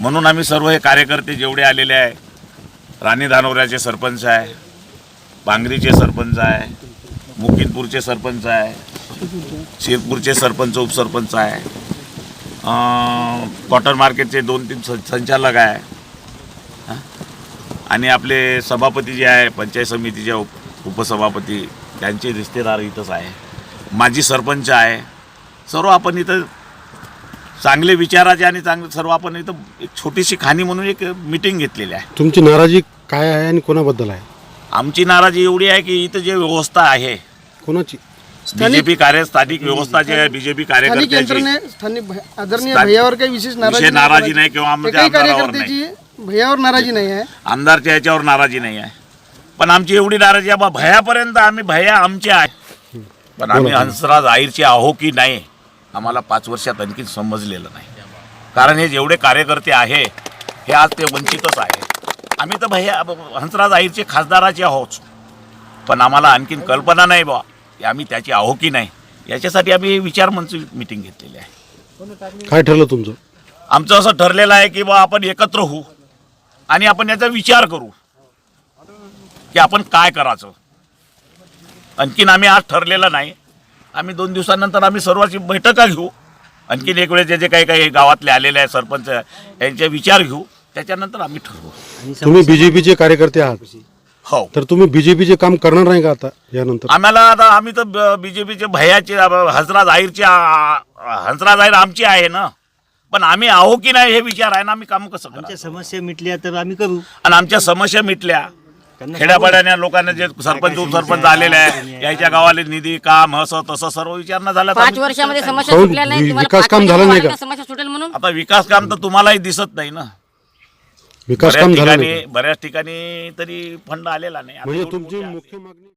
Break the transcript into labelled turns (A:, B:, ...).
A: म्हणून आम्ही सर्व हे कार्यकर्ते जेवढे आलेले आहे, राणी धानोऱ्याचे सरपंच आहे, बांगरीचे सरपंच आहे, मुकिंदपूरचे सरपंच आहे, शिरपूरचे सरपंच उपसरपंच आहे, कॉटन मार्केटचे 2-3 संचालक आहे, आणि आपले सभापती जे आहे पंचायत समितीचे उपसभापती त्यांचे रिश्तेदार इथंच आहे, माजी सरपंच आहे. सर्व आपण इथं चांगले विचाराचे आणि चांगले सर्व आपण इथं एक छोटीशी खाणी म्हणून एक मीटिंग घेतलेली आहे.
B: तुमची नाराजी काय आहे आणि कोणाबद्दल आहे?
A: आमची नाराजी एवढी आहे की इथं जे व्यवस्था आहे
B: कोणाची?
A: बीजेपी स्थानिक व्यवस्था जे आहे बीजेपी कार्यकर्त्याची
C: स्थानिक आदरणीय भैयावर काही विशेष
A: नाराजी नाही किंवा आमच्या आमदारावर नाही,
C: भैयावर नाराजी नाही आहे,
A: आमदारच्या ह्याच्यावर नाराजी नाही आहे. पण आमची एवढी नाराजी आहे बा भैयापर्यंत आम्ही भैया आमचे आहे, पण आम्ही हंसराज अहिरचे आहो की नाही आम्हाला 5 वर्षात आणखी समजलेलं नाही. कारण हे जेवढे कार्यकर्ते आहे हे आज ते वंचितच आहे. आम्ही तर भैया हंसराज अहिरचे खासदाराचे आहोत, पण आम्हाला आणखीन कल्पना नाही बा की आम्ही त्याची आहो की नाही. याच्यासाठी आम्ही विचार मंच मीटिंग घेतलेली आहे.
B: काय ठरलं तुमचं?
A: आमचं असं ठरलेलं आहे की बा आपण एकत्र होऊ आणि आपण याचा विचार करू की आपण काय करायचं. आणखीन आम्ही आज ठरलेलं नाही. आम्ही 2 दिवसानंतर आम्ही सर्वांची बैठका घेऊ. आणखीन एक वेळेस जे काही गावातले आलेले आहे सरपंच यांचे विचार घेऊ, त्याच्यानंतर आम्ही ठरवू.
B: तुम्ही बीजेपीचे कार्यकर्ते आहात,
A: हो.
B: तर तुम्ही बीजेपीचे काम करणार नाही का आता यानंतर?
A: आम्ही तर बीजेपीचे भैयाचे हंसराज अहिर आमची आहे ना, पण आम्ही आहो की नाही हे विचार आहे ना. आम्ही काम कसं करू?
D: आमच्या समस्या मिटल्या तर आम्ही करू.
A: आणि आमच्या समस्या मिटल्या खेड्यापाड्याने लोकांना जे सरपंच उपसरपंच आलेले आहे याच्या गावाले निधी काम असं तसं सर्व विचारणं झालं.
E: 5 वर्षामध्ये समस्या सुटल्या नाही.
B: विकास काम झालं नाही का?
E: समस्या सुटेल म्हणून
A: आता विकास काम तर तुम्हालाही दिसत नाही ना.
B: विकास काम झालं नाही?
A: बऱ्याच ठिकाणी तरी फंड आलेला नाही.
B: म्हणजे तुमची मुख्य मागणी